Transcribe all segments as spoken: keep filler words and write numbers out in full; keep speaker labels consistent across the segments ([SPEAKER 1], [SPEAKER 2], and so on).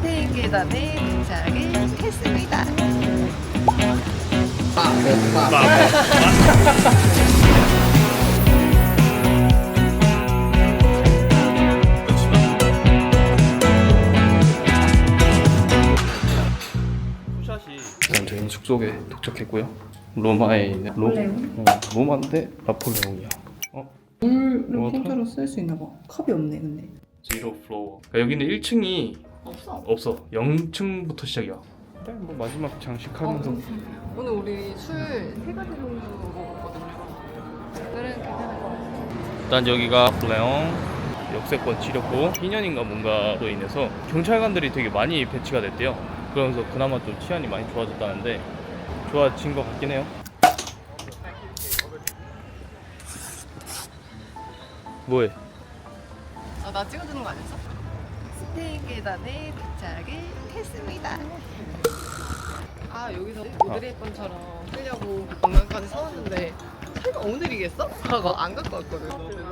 [SPEAKER 1] 스페인 계단에 도착을 했습니다.
[SPEAKER 2] 일단 저희는 숙소에 도착했고요. 로마에 있는 로, 어, 로마인데 나폴레옹이야. 어?
[SPEAKER 1] 물을
[SPEAKER 2] 뭐,
[SPEAKER 1] 핑크로 쓸 수 있나 봐. 컵이 없네 근데.
[SPEAKER 2] 제로 플로어. 그러니까 여기는 일 층이
[SPEAKER 1] 없어.
[SPEAKER 2] 없어. 영 층부터 시작이야. 그래, 뭐 마지막 장식하면서.
[SPEAKER 1] 어, 오늘 우리 술 세 가지 정도 먹었거든요. 오늘은 괜찮을 것 같아요.
[SPEAKER 2] 일단 여기가 나폴레옹 역세권 치렸고 이 년인가 뭔가로 인해서 경찰관들이 되게 많이 배치가 됐대요. 그러면서 그나마 좀 치안이 많이 좋아졌다는데 좋아진 것 같긴 해요. 뭐해?
[SPEAKER 1] 아, 나 찍어주는 거 아니었어? 스페인 계단에 도착을 했습니다. 아, 여기서 오드레이번처럼 쓰려고 건강까지 사왔는데 설마 오늘이겠어? 하고 안 갖고 왔거든.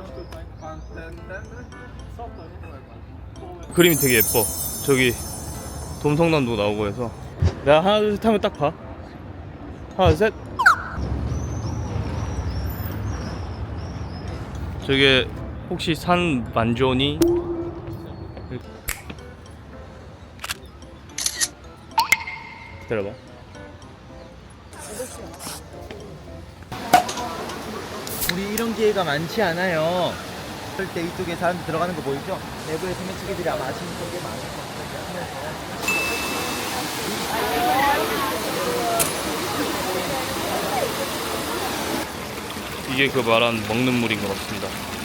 [SPEAKER 2] 그림이 되게 예뻐. 저기 돔성남도 나오고 해서 내가 하나 둘 셋 하면 딱 봐. 하나 셋. 저게 혹시 산 만조니? 기다려봐.
[SPEAKER 3] 우리 이런 기회가 많지 않아요. 그럴 때 이쪽에 사람들 들어가는 거 보이죠? 내부에 소매치기들이 아마 아시는 게 많을 겁니다.
[SPEAKER 2] 이게 그 말한 먹는 물인 것 같습니다.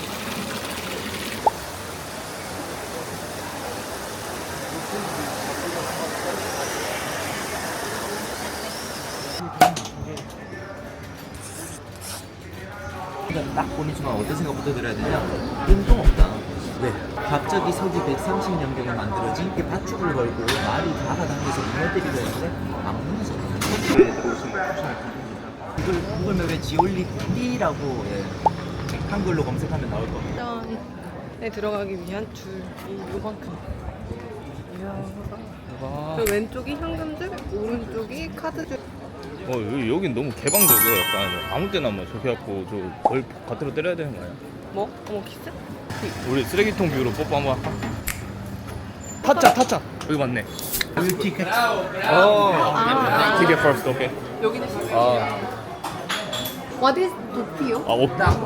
[SPEAKER 3] 딱 보는 순간 어떤 생각부터 들어야 되냐? 뜬금없다. 왜? 갑자기 서기 백삼십 년경에 만들어진 게 밧줄을 걸고 말이 잡아당겨서 무너뜨리려 했는데 안 무너졌네. 이걸 구글맵에 지올리띠라고 예, 한글로 검색하면 나올 겁니다.
[SPEAKER 1] 짠에 들어가기 위한 줄이 요만큼. 이야.
[SPEAKER 2] 와.
[SPEAKER 1] 그 왼쪽이 현금줄, 오른쪽이 카드줄.
[SPEAKER 2] 어 여기, 여긴 너무 개방적이야. 약간 아무 때나 뭐 저렇게 갖고 저걸 겉으로 때려야 되는 거 아니야?
[SPEAKER 1] 뭐? 어머 키스?
[SPEAKER 2] 우리 쓰레기통 뷰로 뽀뽀 한번 할까? 타짜 타짜 여기 맞네.
[SPEAKER 3] 티켓.
[SPEAKER 2] 어. 티켓 first, 오케이.
[SPEAKER 1] 여기는 시스.
[SPEAKER 2] 아,
[SPEAKER 1] What is 도피요?
[SPEAKER 2] 아 오.
[SPEAKER 1] 샷.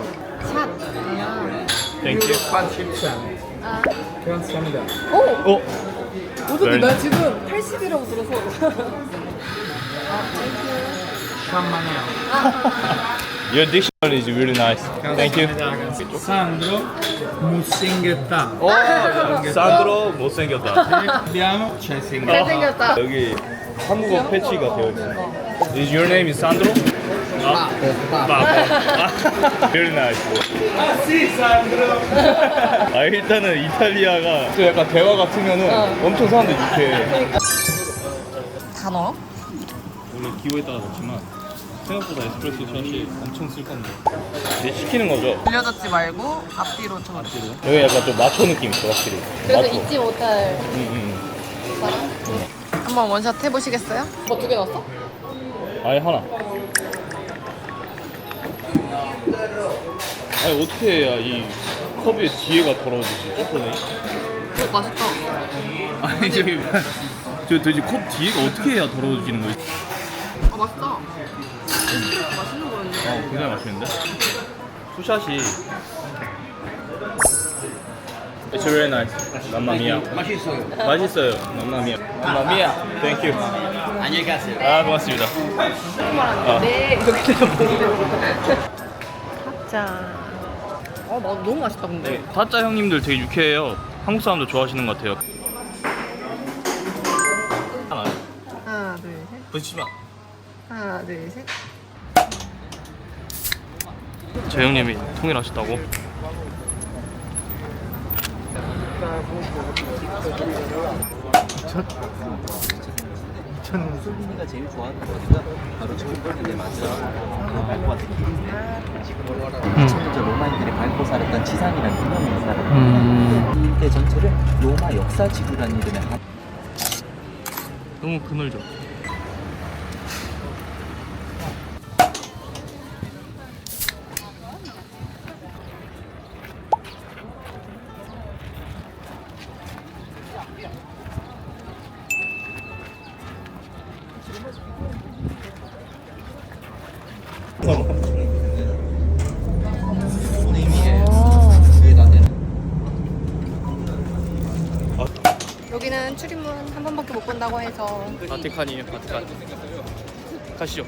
[SPEAKER 1] 아.
[SPEAKER 2] 땡큐.
[SPEAKER 1] 아.
[SPEAKER 4] 감사합니다.
[SPEAKER 1] 오!
[SPEAKER 2] 어?
[SPEAKER 1] 어쩐지
[SPEAKER 2] 네.
[SPEAKER 1] 나 지금 팔십이라고 들어서.
[SPEAKER 2] Your dictionary is really nice. Thank you.
[SPEAKER 4] Sandro Musinghetta.
[SPEAKER 2] 어, 산드로 못생겼다.
[SPEAKER 4] Abbiamo Cesing.
[SPEAKER 1] 잘생겼다.
[SPEAKER 2] 여기 한국어 패치가 되어 있어. Is your name is Sandro? 아, 아, very nice.
[SPEAKER 4] Ah sì, Sandro.
[SPEAKER 2] 아 일단은 이탈리아가 또 약간 대화 같으면은
[SPEAKER 1] 어.
[SPEAKER 2] 엄청 사람들 유쾌해.
[SPEAKER 1] 다 넣어?
[SPEAKER 2] 원래 기호에다가 넣지만 생각보다 에스프레소 샷이 엄청 쓸 건데. 이제 시키는 거죠.
[SPEAKER 1] 돌려잡지 말고 앞뒤로 쳐.
[SPEAKER 2] 여기 약간 좀 마초 느낌 있어 확실히.
[SPEAKER 1] 그래서
[SPEAKER 2] 마초.
[SPEAKER 1] 잊지 못할
[SPEAKER 2] 응, 응.
[SPEAKER 1] 사람? 한번 원샷 해보시겠어요? 뭐 두 개 넣었어?
[SPEAKER 2] 아예 하나. 아니 어떻게 해야 이 컵의 뒤에가 더러워지지? 예쁘네.
[SPEAKER 1] 오 맛있다.
[SPEAKER 2] 아니 저기 저 도대체 컵 뒤에가 어떻게 해야 더러워지는 거지?
[SPEAKER 1] 아 맛있다. 맛있는 거였네.
[SPEAKER 2] 어 굉장히 맛있는데? 투샷이 It's very nice. 맘마미아.
[SPEAKER 4] 맛있어요.
[SPEAKER 2] 맛있어요. 맘마미아. 맘마미아. Thank you.
[SPEAKER 4] 안녕히 가세요.
[SPEAKER 2] 아 고맙습니다. 아.
[SPEAKER 1] 네 이렇게 되면 자. 어 마- 너무 맛있다 근데.
[SPEAKER 2] 네, 타짜 형님들 되게 유쾌해요. 한국 사람들 좋아하시는 것 같아요. 하나.
[SPEAKER 1] 하나 둘 셋.
[SPEAKER 2] 붙이지 마.
[SPEAKER 1] 하나 둘 셋.
[SPEAKER 2] 제 형님이 통일하셨다고?
[SPEAKER 3] 저는 솔빈이가 제일 좋아하는 거리가 바로 저기 걸리네 맞아. 로마와 느낌인데 지금 먼저 로마인들이 밟고 살았던 지상이라는 유명한 사람.
[SPEAKER 2] 음.
[SPEAKER 3] 이때 전체를 로마 역사 지구라는 이름의 한
[SPEAKER 2] 너무 그늘져.
[SPEAKER 1] 여기는 출입문 한 번밖에 못 본다고 해서
[SPEAKER 2] 바티칸이에요, 바티칸. 가시죠.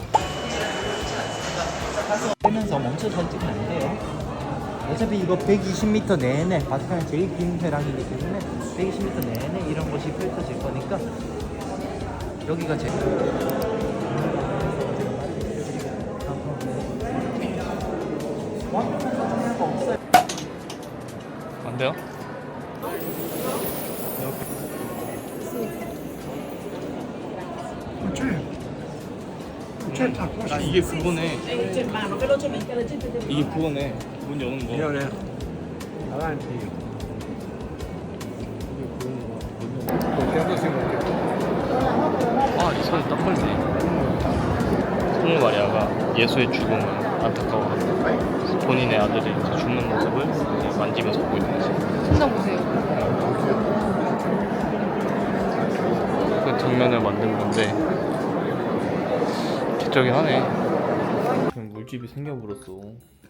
[SPEAKER 3] 하면서 멈춰서 찍으면 안 돼요. 어차피 이거 백이십 미터 내내 바티칸이 제일 긴 회랑이기 때문에 백이십 미터 내내 이런 것이 펼쳐질 거니까 여기가 제일
[SPEAKER 2] 안 돼요? 아, 이게 그거네. 이게 그거네. 문 여는 거. 아, 이 손이 딱 걸리네. 성모 마리아가 예수의 죽음을 안타까워하고 본인의 아들이 이제 죽는 모습을 이제 만지면서 보고 있는 거지.
[SPEAKER 1] 손나 보세요.
[SPEAKER 2] 그 장면을 만든 건데 기적이 하네. 그냥 물집이 생겨버렸어.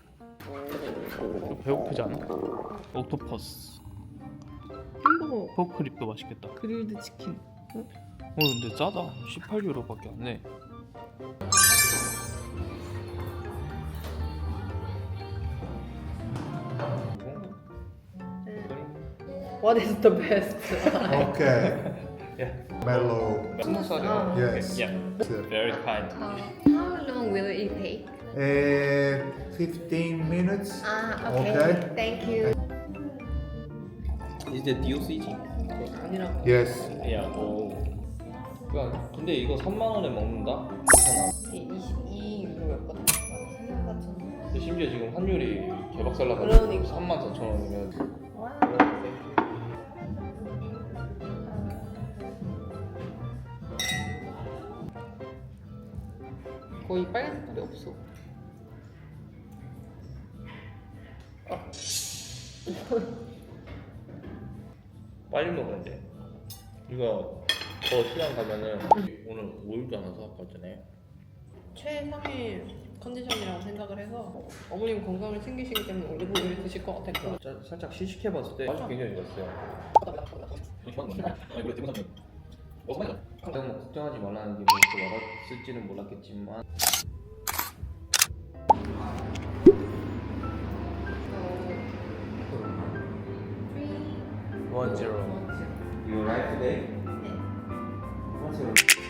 [SPEAKER 2] 배고프지 않아? 옥토퍼스.
[SPEAKER 1] 햄버거,
[SPEAKER 2] 포크립도 맛있겠다.
[SPEAKER 1] 그릴드 치킨.
[SPEAKER 2] 어 근데 싸다. 십팔 유로밖에 안 내.
[SPEAKER 1] What is the best?
[SPEAKER 5] Okay.
[SPEAKER 2] Yeah.
[SPEAKER 5] Mellow.
[SPEAKER 2] 스무 살이요?
[SPEAKER 5] Yes.
[SPEAKER 2] Yeah. Very kind.
[SPEAKER 1] How long will it take?
[SPEAKER 5] Uh, fifteen minutes.
[SPEAKER 1] 아,
[SPEAKER 5] Okay.
[SPEAKER 1] Thank you.
[SPEAKER 2] Is that 디오씨지?
[SPEAKER 1] 아니라고.
[SPEAKER 5] Yes.
[SPEAKER 2] 야, 오. 야, 근데 이거 삼만 원에 먹는다? 괜찮아.
[SPEAKER 1] 이십이 유로였거든.
[SPEAKER 2] 근데 심지어 지금 환율이 개박살나가지고
[SPEAKER 1] 그러니까.
[SPEAKER 2] 삼만 사천 원이면
[SPEAKER 1] 거의 빨간 색깔이 없어.
[SPEAKER 2] 빨리 먹어야 돼. 이거 더 시간 가면은 오늘 오일도 하나 사왔거든요.
[SPEAKER 1] 최상의 컨디션이라고 생각을 해서 어머님 건강을 챙기시기 때문에 올리브오일 드실 것 같았고.
[SPEAKER 2] 살짝 시식해봤을 때 맛이 굉장히 좋았어요. 너무 걱정하지 말라는 게 뭐또 알았을지는 몰랐겠지만
[SPEAKER 1] three,
[SPEAKER 2] 원 제로.
[SPEAKER 3] You arrived today?
[SPEAKER 1] 네.
[SPEAKER 3] What's your